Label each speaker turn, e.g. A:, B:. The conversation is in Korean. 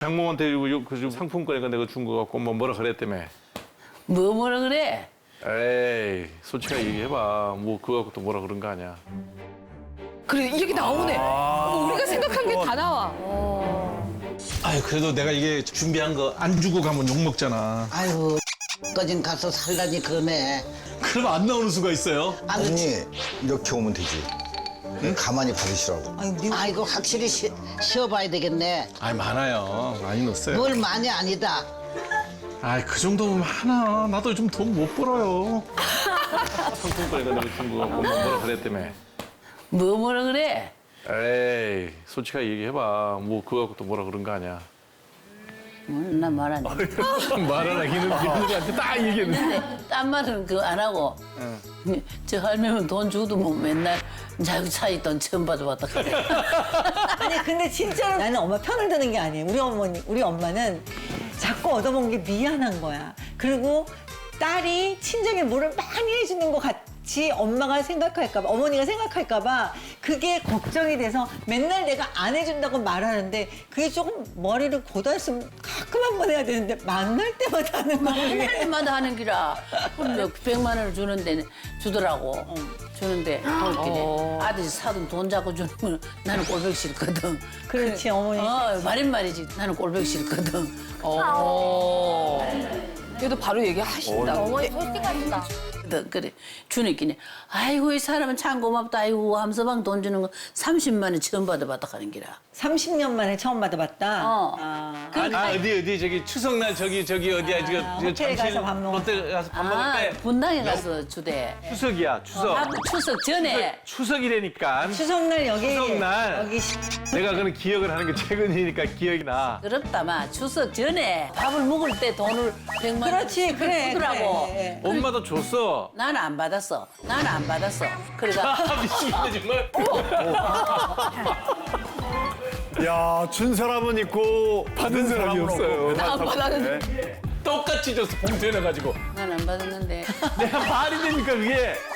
A: 장모한테 그 상품권에 내가 준 거 갖고 뭐라 그랬다며.
B: 뭐라 그래?
A: 에이, 솔직하게 얘기해봐. 뭐 그거 갖고 또 뭐라 그런 거 아니야.
C: 그래 이게 나오네. 뭐 우리가 생각한 게 다 나와.
D: 아유, 그래도 내가 이게 준비한 거 안 주고 가면 욕 먹잖아.
E: 아이고, 거진 가서 살라니 그러네.
D: 그럼 안 나오는 수가 있어요?
F: 언니 이렇게 오면 되지. 가만히 받으시라고.
E: 아이고, 확실히 쉬어봐야 되겠네.
D: 아이, 많아요. 많이 넣었어요.
E: 뭘 많이 아니다.
D: 아이, 그 정도면 많아. 나도 좀 돈 못 벌어요.
A: 상품권에 내가 준 거 갖고 뭐라 그랬다며.
B: 뭐라 그래?
A: 에이, 솔직하게 얘기해봐. 뭐 그거 갖고 또 뭐라 그런 거 아니야.
B: 나 말 안 해.
A: 말하기는 누구한테 딱 얘기했는데.
B: 딴 말은 그거 안 하고. 저 할매는 돈 주도 뭐 맨날 자기 차이 돈 처음 받아봤다 그래.
G: 아니 근데 진짜로 나는 엄마 편을 드는 게 아니에요. 우리 엄마는 자꾸 얻어먹은 게 미안한 거야. 그리고 딸이 친정에 뭐를 많이 해주는 것 같이 엄마가 생각할까 봐, 어머니가 생각할까 봐 그게 걱정이 돼서 맨날 내가 안 해준다고 말하는데 그게 조금 머리를 고달으면 가끔 한 번 해야 되는데 만날 때마다 하는 거야.
B: 할 때마다 하는 기라. 그럼 몇 100만 원을 주는데 주더라고. 주는데 그렇게 아들이 사돈 돈 잡고 주는 건 나는 꼴보기 싫거든.
G: 그렇지, 어머니.
B: 말인 말이지. 나는 꼴보기 싫거든.
C: 그래도 바로 얘기하신다.
H: 어머니 솔직하시다.
B: 그래 주니끼니 아이고 이 사람은 참 고맙다. 아이고 함서방 돈 주는 거 30만 원 처음 받아봤다 하는 기라.
G: 30년 만에 처음 받아봤다.
A: 어디 저기 추석날 저기 어디야 지금
G: 호텔 가서 밥 먹을
A: 롯데 가서 밥 먹을 때
B: 분당에 가서 주대.
A: 추석이야 추석.
B: 추석 전에.
A: 추석이라니까.
G: 추석날 여기
A: 추석날.
G: 여기
A: 내가 그런 기억을 하는 게 최근이니까 기억이 나.
B: 그렇다마 추석 전에 밥을 먹을 때 돈을 100만 원
G: 그렇지, 그래,
B: 주더라고.
G: 그래.
A: 엄마도 줬어.
B: 나는 안 받았어. 나는 안 받았어. 그러니까
A: 미치겠네 정말.
I: 야, 준 사람은 있고 받은 사람이 없어요.
C: 안 받았는데.
A: 똑같이 줬어 봉투에 넣어가지고.
B: 나는 안 받았는데.
A: 내가 말이 되니까 그게.